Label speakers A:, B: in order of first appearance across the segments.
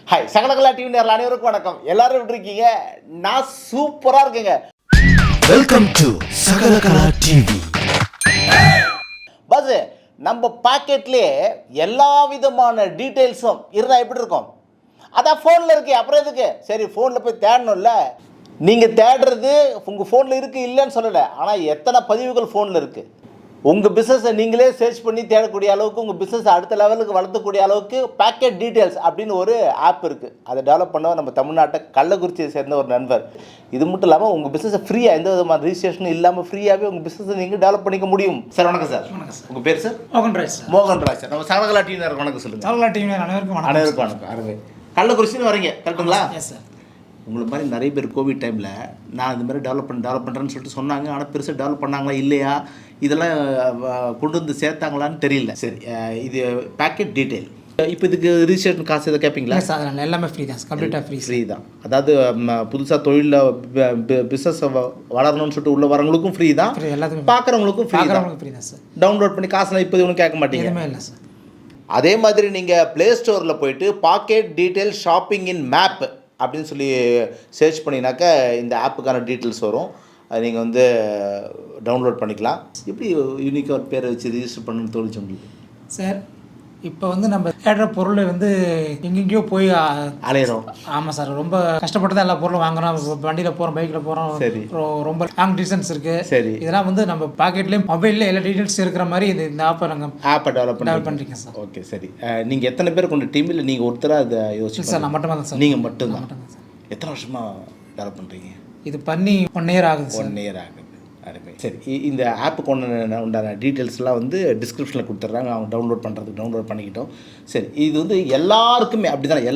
A: Hi சகலகலா TV நேரில் அனைவருக்கும் வணக்கம். எல்லாரும் எப்படி இருக்கீங்க? நான் சூப்பராக இருக்கேங்க.
B: Welcome to Sakalakala TV.
A: பஸ் நம்ம பாக்கெட்லேயே எல்லா விதமான டீட்டெயில்ஸும் இருந்தால் எப்படி இருக்கும்? அதான் ஃபோனில் இருக்கு, அப்புறம் எதுக்கு? சரி, ஃபோனில் போய் தேடணும்ல. நீங்கள் தேடுறது உங்கள் ஃபோனில் இருக்குது இல்லைன்னு சொல்லலை, ஆனால் எத்தனை பதிவுகள் ஃபோனில் இருக்குது. உங்கள் பிஸ்னஸை நீங்களே சர்ச் பண்ணி தேடக்கூடிய அளவுக்கு, உங்கள் பிஸ்னஸை அடுத்த லெவலுக்கு வளர்த்தக்கூடிய அளவுக்கு பேக்கெட் டீட்டெயில்ஸ் அப்படின்னு ஒரு ஆப் இருக்குது. அதை டெவலப் பண்ண நம்ம தமிழ்நாட்டை கள்ளக்குறிச்சியை சேர்ந்த ஒரு நண்பர். இது மட்டும் இல்லாமல் உங்கள் பிஸ்னஸை ஃப்ரீயாக எந்த விதமான ரிஜிஸ்ட்ரேஷனும் இல்லாமல் ஃப்ரீயாகவே உங்கள் பிஸ்னஸை நீங்கள் டெவலப் பண்ணிக்க முடியும். சார் வணக்கம் சார்.
C: வணக்கம் சார்.
A: உங்கள் பேர் sir?
C: Mohanraj sir.
A: Mohanraj sir. நம்ம சகலகலா டிவினர் வணக்கம் சொல்லுங்கள்.
C: சகலகலா டிவினர் அனைவருக்கும் வணக்கம்.
A: அனைவருக்கும் வணக்கம். அருமை. கள்ளக்குறிச்சின்னு வரீங்க கரெக்டுங்களா?
C: Yes sir.
A: உங்களை மாதிரி நிறைய பேர் கோவிட் டைமில் நான் இந்த மாதிரி டெவலப் பண்ணுறேன்னு சொல்லிட்டு சொன்னாங்க. ஆனால் பெருசாக டெவலப் பண்ணாங்களா இல்லையா, இதெல்லாம் கொண்டு வந்து சேர்த்தாங்களான்னு தெரியல. சரி, இது பேக்கெட் டீட்டெயில். இப்போ இதுக்கு ரிஜிஸ்ட்ரேஷன் காசு எதை கேட்பீங்களா?
C: சார் எல்லாமே ஃப்ரீ தான், கம்ப்ளீட்டாக ஃப்ரீ
A: தான். அதாவது புதுசாக தொழிலில் பிஸ்னஸ் வளரணும்னு சொல்லிட்டு உள்ள வரவங்களுக்கும் ஃப்ரீ தான்,
C: எல்லாத்துக்கும்
A: பார்க்குறவங்களுக்கும் ஃப்ரீ தான்
C: சார்.
A: டவுன்லோட் பண்ணி காசுலாம் இப்போ ஒன்றும் கேட்க மாட்டீங்க.
C: எதுவுமே இல்லை சார்.
A: அதே மாதிரி நீங்கள் ப்ளே ஸ்டோரில் போயிட்டு pocket detail shopping in map அப்படின்னு சொல்லி சர்ச் பண்ணினாக்கா இந்த ஆப்புக்கான டீட்டெயில்ஸ் வரும். அது நீங்கள் வந்து டவுன்லோட் பண்ணிக்கலாம். எப்படி யூனிக்காக ஒரு பேரை வச்சு ரிஜிஸ்டர் பண்ணணும்னு தோணுச்சு உங்களுக்கு?
C: சார் இப்போ வந்து நம்ம தேடுற பொருள் வந்து எங்கெங்கேயோ போய்
A: அலையிறோம்.
C: ஆமாம் சார், ரொம்ப கஷ்டப்பட்டு தான் எல்லா பொருளும் வாங்குறோம். வண்டியில் போகிறோம், பைக்கில் போகிறோம்.
A: சரி.
C: ரொம்ப லாங் டிஸ்டன்ஸ் இருக்குது.
A: சரி.
C: இதெல்லாம் வந்து நம்ம பாக்கெட்லேயும் மொபைலில் எல்லா டீட்டெயில்ஸ் இருக்கிற மாதிரி இந்த ஆப்பை நாங்கள்
A: டெவலப்
C: பண்ணிருக்கேன் சார்.
A: ஓகே, சரி. நீங்கள் எத்தனை பேர் கொண்ட டீமில் நீங்கள் ஒருத்தராக அதை யோசிச்சு?
C: சார் நான் மட்டும்தான் சார்.
A: நீங்கள் மட்டும்தான். எத்தனை வருஷமாக டெவலப் பண்ணுறீங்க?
C: இது பண்ணி 1 year ஆகுது.
A: 1 year ஆகுது. அருமை. சரி, இந்த ஆப்புக்கு உண்டான டீட்டெயில்ஸ்லாம் வந்து டிஸ்கிரிப்ஷனில் கொடுத்துட்றாங்க. அவங்க டவுன்லோட் பண்ணிக்கிட்டோம். சரி, இது வந்து எல்லாருக்குமே அப்படி தானே?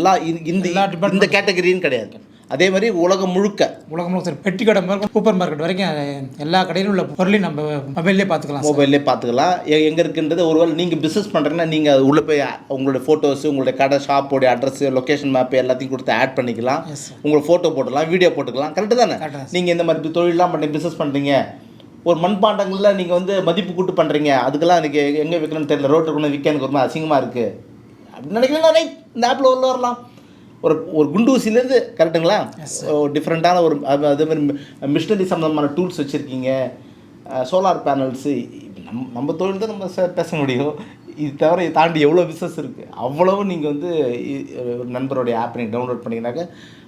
A: இந்த கேட்டகரின்னு கிடையாது. அதே மாதிரி உலகம் முழுக்க
C: சார், பெட்டி கடை முதல் சூப்பர் மார்க்கெட் வரைக்கும் எல்லா கடையிலும் உள்ள பொருளையும் நம்ம மொபைல்லே பார்த்துக்கலாம்.
A: எங்கே இருக்குன்றது. ஒருவேளை நீங்கள் பிஸ்னஸ் பண்ணுறீங்கன்னா நீங்கள் அது உள்ளே போய் உங்களுடைய ஃபோட்டோஸு, உங்களுடைய கடை ஷாப்போடைய அட்ரஸ், லொக்கேஷன் மேப்பு எல்லாத்தையும் கொடுத்து ஆட் பண்ணிக்கலாம். உங்களை ஃபோட்டோ போட்டுக்கலாம், வீடியோ போட்டுக்கலாம். கரெக்டு தானே? நீங்கள் இந்த மாதிரி தொழிலெலாம் பண்ணி பிஸ்னஸ் பண்ணுறீங்க, ஒரு மண்பாண்டங்களில் நீங்கள் வந்து மதிப்பு கூட்டு பண்ணுறீங்க, அதுக்கெல்லாம் எனக்கு எங்கே விற்கணும்னு தெரியல, ரோட்டில் கொண்டு விற்கனுக்கு ரொம்ப அசிங்கமாக இருக்குது அப்படின்னு நினைக்கிறேன். இந்த ஆப்பில் உள்ள வரலாம். ஒரு குண்டூசிலேருந்து கரெக்டுங்களா, டிஃப்ரெண்ட்டான ஒரு அதேமாதிரி மிஷினரி சம்மந்தமான டூல்ஸ் வச்சுருக்கீங்க, சோலார் பேனல்ஸு. நம்ம தொழில் தான் நம்ம பேச முடியும். இது தவிர இதை தாண்டி எவ்வளோ பிஸ்னஸ் இருக்குது. அவ்வளவு நீங்கள் வந்து நண்பருடைய ஆப் நீங்கள் டவுன்லோட் பண்ணிங்கனாக்கா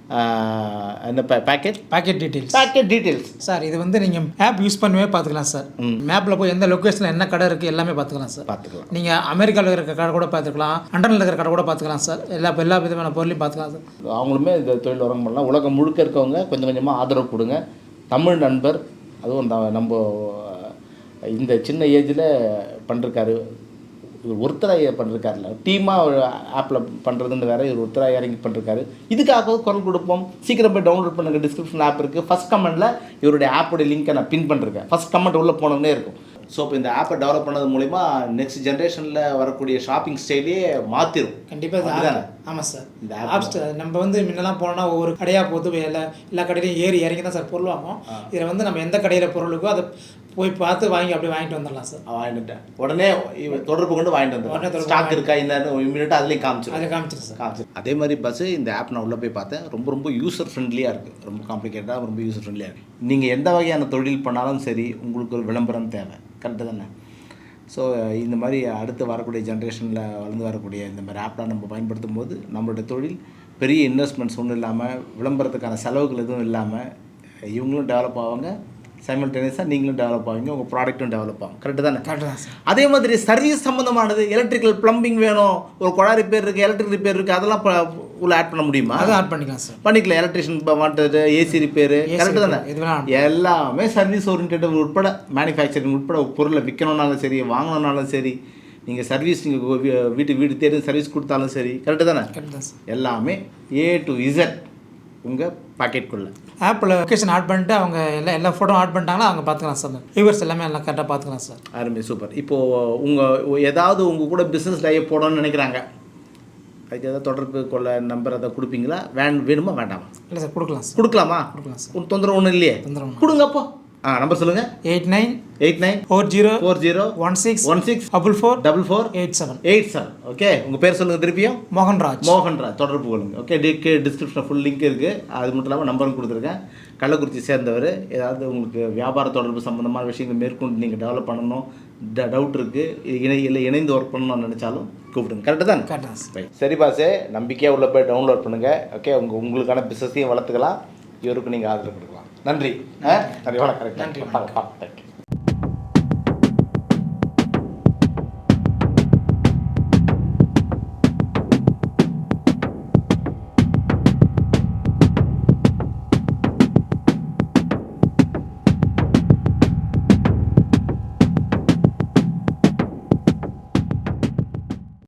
A: என்ன பேக்கெட் டீட்டெயில்ஸ்
C: சார். இது வந்து நீங்கள் ஆப் யூஸ் பண்ணவே பார்த்துக்கலாம் சார். மேப்பில் போய் எந்த லொக்கேஷனில் என்ன கடை இருக்குது எல்லாமே பார்த்துக்கலாம் சார். நீங்கள் அமெரிக்காவில் இருக்கிற கடை கூட பார்த்துக்கலாம், லண்டனில் இருக்கிற கடை கூட பார்த்துக்கலாம் சார். எல்லா விதமான பொருளையும் பார்த்துக்கலாம் சார்.
A: அவங்களுமே இந்த தொழில் வரங்க பண்ணலாம். உலகம் முழுக்க இருக்கவங்க கொஞ்சம் கொஞ்சமாக ஆதரவு கொடுங்க. தமிழ் நண்பர், அதுவும் நம்ம இந்த சின்ன ஏஜில் பண்ணிருக்காரு. இவர் ஒருத்தராக பண்ணிருக்காருல, டீமாக ஆப்பில் பண்ணுறதுன்னு வேறு, இவர் ஒருத்தராக இறங்கி பண்ணிருக்காரு. இதுக்காக குரல் கொடுப்போம். சீக்கிரம் போய் டவுன்லோட் பண்ணுங்கள். டிஸ்கிரிப்ஷன் ஆப் இருக்குது. ஃபஸ்ட் கமெண்ட்டில் இவருடைய ஆப்போடைய லிங்க்கை நான் பின் பண்ணிருக்கேன். ஃபஸ்ட் கமெண்ட் உள்ளே போனோன்னே இருக்கும். ஸோ இப்போ இந்த ஆப்பை டெவலப் பண்ணது மூலிமா நெக்ஸ்ட் ஜென்ரேஷனில் வரக்கூடிய ஷாப்பிங் ஸ்டைலே மாற்றிடும்.
C: கண்டிப்பாக தானே? ஆமாம் சார். இந்த ஆப் நம்ம வந்து முன்னெல்லாம் போனோம்னா ஒவ்வொரு கடையாக போட்டு எல்லா கடையிலையும் ஏறி இறங்கி தான் சார் பொருள் வாங்குவோம். இதில் வந்து நம்ம எந்த கடையில் பொருளுக்கோ அதை போய் பார்த்து அப்படியே வாங்கிட்டு வந்துடலாம் சார்.
A: வாங்கிட்டேன் உடனே தொடர்பு கொண்டு வாங்கிட்டு வந்துடுறேன். ஸ்டாக் இருக்கா இந்த இமீடியட்டாக அதுலேயும் காமிச்சிடும் சார். அதே மாதிரி பஸ்ஸு இந்த ஆப் நான் உள்ளே போய் பார்த்தேன். ரொம்ப யூசர் ஃப்ரெண்ட்லியாக இருக்குது. ரொம்ப காம்ப்ளிகேட்டாக ரொம்ப யூசர் ஃப்ரெண்ட்லியாக இருக்குது. நீங்கள் எந்த வகையான தொழில் பண்ணாலும் சரி, உங்களுக்கு ஒரு விளம்பரம் தேவை. கரெக்டு தானே? ஸோ இந்த மாதிரி அடுத்து வரக்கூடிய ஜென்ரேஷனில் வளர்ந்து வரக்கூடிய இந்த மாதிரி ஆப்லாம் நம்ம பயன்படுத்தும் போது நம்மளுடைய தொழில் பெரிய இன்வெஸ்ட்மெண்ட்ஸ் ஒன்றும் இல்லாமல், விளம்பரத்துக்கான செலவுகள் எதுவும் இல்லாமல் இவங்களும் டெவலப் ஆவாங்க, சைமல்டேனியஸாக நீங்களும் டெவலப் ஆவீங்க, உங்கள் ப்ராடக்ட்டும் டெவலப் ஆகும். கரெக்டு தானே?
C: கரெக்டு தான் சார்.
A: அதே மாதிரி சர்வீஸ் சம்மந்தமானது, எலக்ட்ரிக்கல் ப்ளம்பிங் வேணும், ஒரு குழாய் ரிப்பேர் இருக்குது, எலக்ட்ரிக் ரிப்பேர் இருக்குது, அதெல்லாம் உள்ள ஆட் பண்ண முடியுமா?
C: அதை ஆட் பண்ணிக்கலாம் சார்.
A: பண்ணிக்கலாம். எலக்ட்ரிஷியன் வாண்டது, ஏசி ரிப்பேரு, கரெக்டு தானே? எல்லாமே சர்வீஸ் ஓரியன்ட் உட்பட, மேனுஃபேக்சரிங் உட்பட பொருளை விற்கணுன்னாலும் சரி, வாங்கணுன்னாலும் சரி, நீங்கள் சர்வீஸ் நீங்கள் வீடு தேடி சர்வீஸ் கொடுத்தாலும் சரி, கரெக்டு தானே? எல்லாமே A to Z உங்கள் பாக்கெட்டுக்குள்ளே.
C: ஆப்பில் லொக்கேஷன் ஆட் பண்ணிட்டு அவங்க எல்லா ஃபோட்டோ ஆட் பண்ணிட்டாங்கன்னா அவங்க பார்த்துக்கலாம் சார். வியூவர்ஸ் எல்லாமே எல்லாம் கரெக்டாக பார்த்துக்கலாம் சார்.
A: அருமை, சூப்பர். இப்போது உங்கள் ஏதாவது உங்கள் கூட பிஸ்னஸ் லைஃப் போடணும்னு நினைக்கிறாங்க, அதுக்கு ஏதாவது தொடர்பு கொள்ள நம்பர் அதை கொடுப்பீங்களா? வேணுமா வேண்டாமா?
C: இல்லை சார், கொடுக்கலாம் சார்.
A: கொடுக்கலாமா?
C: சார்.
A: தொந்தரவு ஒன்றும் இல்லையே?
C: தொந்தரவு
A: கொடுங்கப்போ. நம்பர் சொல்லுங்கள்.
C: 894016444487.
A: ஓகே, உங்கள் பேர் சொல்லுங்கள் திருப்பியும்.
C: மோகன்ராஜ்.
A: தொடர்பு கொள்ளுங்க. ஓகே, டிஸ்கிரிப்ஷனில் ஃபுல் லிங்க் இருக்குது. அது மட்டும் இல்லாமல் நம்பரும் கொடுத்துருக்கேன். கள்ளக்குறிச்சி சேர்ந்தவர். ஏதாவது உங்களுக்கு வியாபார தொடர்பு சம்மந்தமான விஷயங்கள் மேற்கொண்டு நீங்கள் டெவலப் பண்ணணும், டவுட் இருக்குது, இணைந்து ஒர்க் பண்ணணும்னு நினச்சாலும் கூப்பிடுங்க. கரெக்டு தான்?
C: கரெக்டாக.
A: சரி பாஸே, நம்பிக்கையாக உள்ளே போய் டவுன்லோட் பண்ணுங்கள். ஓகே, உங்களுக்கான பிஸ்னஸையும் வளர்த்துக்கலாம், இவருக்கு நீங்கள் ஆதரவு கொடுக்கலாம். நன்றி. நன்றி, வணக்கம்.
C: நன்றி.
A: தேங்க்யூ.